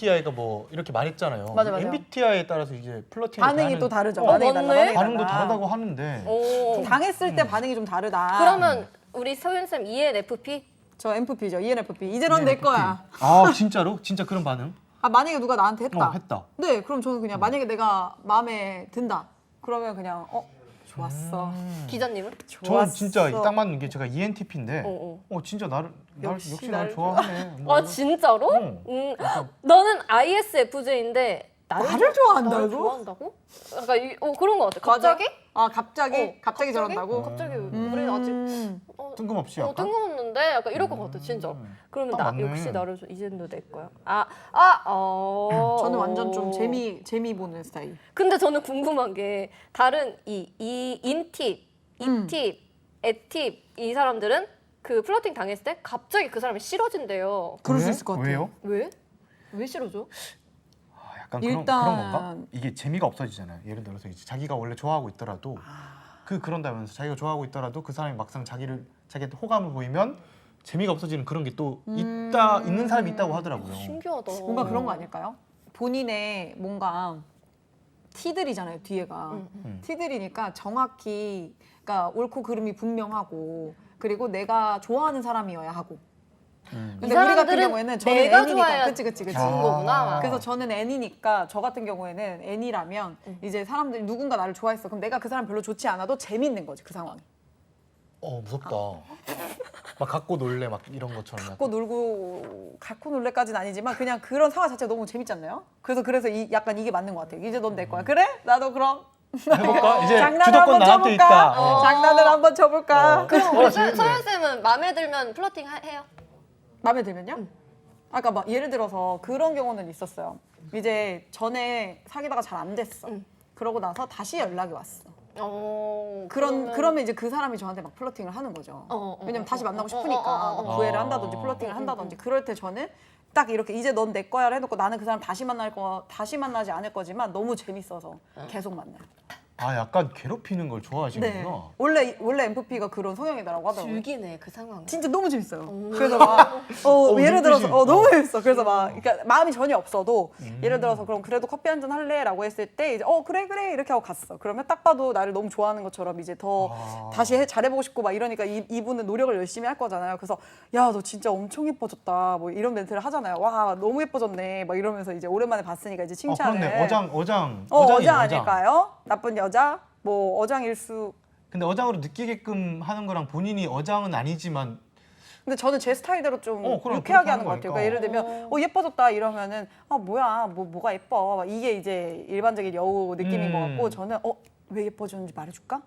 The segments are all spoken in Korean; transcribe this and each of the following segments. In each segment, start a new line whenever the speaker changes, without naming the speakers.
MBTI가 뭐 이렇게 말했잖아요.
맞아.
MBTI에 따라서 이제 플러팅
반응이 또 다르죠.
맞네.
반응도 다르다고 하는데.
오.
당했을 때 반응이 좀 다르다.
그러면 우리 서윤 쌤 ENFP?
저 MFP죠. ENFP. 이제 넌 내 거야.
아 진짜로? 진짜 그런 반응?
아 만약에 누가 나한테 했다.
했다.
네, 그럼 저는 그냥 만약에 내가 마음에 든다. 그러면 그냥 좋았어.
기자님은?
저는 진짜 딱 맞는 게 제가 ENTP인데 진짜 나를 역시 날 좋아하네. 뭐.
아 진짜로? 너는 ISFJ인데
나를 좋아한다고?
나를 좋아한다고? 약간 그런 거 같아. 갑자기?
아 갑자기 저런다고?
갑자기 우리 아직
뜬금없이 약간?
뜬금없는데 약간 이럴 것 같아 진짜. 그러면
딱 맞네.
역시 나를 이제는 내 거야.
저는 완전 좀 재미 보는 스타일.
근데 저는 궁금한 게 다른 이 인팁, 이팁, 애팁 이 사람들은 그 플러팅 당했을 때 갑자기 그 사람이 싫어진대요.
그럴 수 있을 것 같아요.
왜요?
왜 싫어져?
약간
일단-
그런 건가? 이게 재미가 없어지잖아요. 예를 들어서 이제 자기가 원래 좋아하고 있더라도 그런다면서 자기가 좋아하고 있더라도 그 사람이 막상 자기한테 호감을 보이면 재미가 없어지는 그런 게 또 있는 사람이 있다고 하더라고요.
신기하다.
뭔가 그런 거 아닐까요? 본인의 뭔가 티들이잖아요, 뒤에가. 티들이니까 정확히 그러니까 옳고 그름이 분명하고 그리고 내가 좋아하는 사람이어야 하고. 근데 우리 같은
사람들은
경우에는 저는
내가
N이니까
좋아야
그치.
좋은 거구나.
그래서 저는 N이니까 저 같은 경우에는 N이라면 이제 사람들이 누군가 나를 좋아했어. 그럼 내가 그 사람 별로 좋지 않아도 재밌는 거지, 그 상황이.
무섭다. 막 갖고 놀래 막 이런 것처럼.
갖고 놀래까지는 아니지만 그냥 그런 상황 자체가 너무 재밌지 않나요? 그래서 약간 이게 맞는 것 같아요. 이제 넌 내 거야. 그래? 나도 그럼
해볼까? 이제
장난을
주도권
한번
나한테
쳐볼까?
있다.
장난을 한번 쳐볼까?
그럼 우리 서윤 쌤은 마음에 들면 플러팅 해요?
마음에 들면요? 아까 막 예를 들어서 그런 경우는 있었어요. 이제 전에 사귀다가 잘 안 됐어. 그러고 나서 다시 연락이 왔어. 그러면 이제 그 사람이 저한테 막 플러팅을 하는 거죠. 왜냐면 다시 만나고 싶으니까 막 구애를 한다든지 플러팅을 한다든지 그럴 때 저는 딱 이렇게 이제 넌 내 거야를 해놓고 나는 그 사람 다시 만나지 않을 거지만 너무 재밌어서 계속 만나요.
약간 괴롭히는 걸 좋아하시는구나.
원래 MFP가 그런 성향이더라고 하더라고요.
즐기네 그 상황.
진짜 너무 재밌어요. 그래서 막 예를 들어서 너무 재밌어. 그래서 막 그러니까 마음이 전혀 없어도 예를 들어서 그럼 그래도 커피 한잔 할래라고 했을 때 이제 그래 이렇게 하고 갔어. 그러면 딱 봐도 나를 너무 좋아하는 것처럼 이제 더 다시 잘해보고 싶고 막 이러니까 이분은 노력을 열심히 할 거잖아요. 그래서 야 너 진짜 엄청 예뻐졌다 뭐 이런 멘트를 하잖아요. 와 너무 예뻐졌네 막 이러면서 이제 오랜만에 봤으니까 이제 칭찬을.
그렇네. 어장
아닐까요? 나쁜 여자 뭐 어장일 수.
근데 어장으로 느끼게끔 하는 거랑 본인이 어장은 아니지만
근데 저는 제 스타일대로 좀
그럼
유쾌하게
그렇게
하는 것 같아요. 그러니까 예를 들면 예뻐졌다 이러면은 뭐야 뭐가 예뻐 막 이게 이제 일반적인 여우 느낌인 것 같고 저는 왜 예뻐졌는지 말해줄까?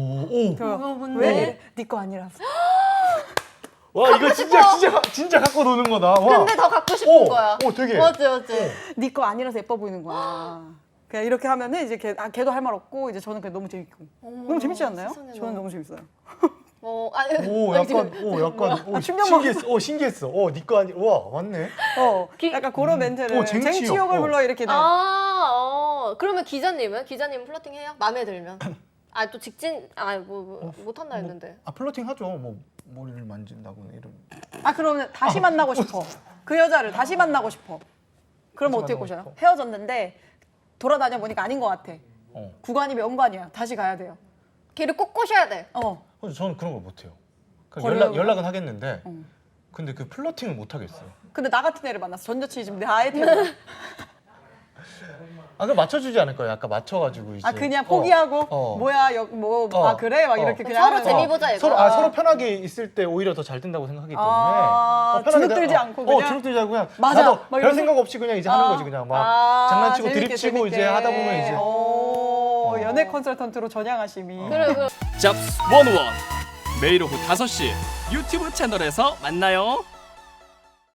왜? 네 거 아니라서.
와 이거 진짜 갖고 노는 거다. 와.
근데 더 갖고 싶은 거야.
되게.
맞지.
네 거 아니라서 예뻐 보이는 거야. 그냥 이렇게 하면은 이제 걔도 할 말 없고 이제 저는 그냥 너무 재밌고. 너무 재밌지 않나요? 저는 너무 재밌어요.
약간 신기했어. 네 거 아니. 와 맞네.
약간 그런 멘트를
쟁취욕.
쟁취욕을 불러 일으키는.
그러면 기자님은 플러팅 해요? 마음에 들면? 또 직진 못 한다 했는데.
플러팅 하죠. 뭐 머리를 만진다거나 이런.
그러면 다시 만나고 싶어. 그 여자를 다시 만나고 싶어. 그러면 어떻게 꼬셔요? 헤어졌는데 돌아다녀 보니까 아닌 것 같아. 구간이 명관이야. 다시 가야 돼요.
걔를 꼭 꼬셔야 돼.
저는 그런 걸 못해요.
버려요?
연락은 하겠는데 근데 그 플러팅을 못 하겠어요.
근데 나 같은 애를 만났어. 전 여친이 지금 내 아예 태어나.
그럼 맞춰주지 않을 거예요. 아까 맞춰가지고 이제.
그냥 포기하고 뭐야 그래 막 이렇게 그냥
서로 재미 보자 이거.
서로 편하게 있을 때 오히려 더 잘 된다고 생각하기 때문에
주눅들지 않고 그냥
주눅들지 않고 그냥
맞아.
나도
막
별
이러면서.
생각 없이 그냥 이제 하는 거지 그냥 막 장난치고
재밌게,
드립치고
재밌게.
이제 하다 보면 이제
연애 컨설턴트로 전향하심이.
잡스 101 매일 오후 5시 유튜브 채널에서 만나요.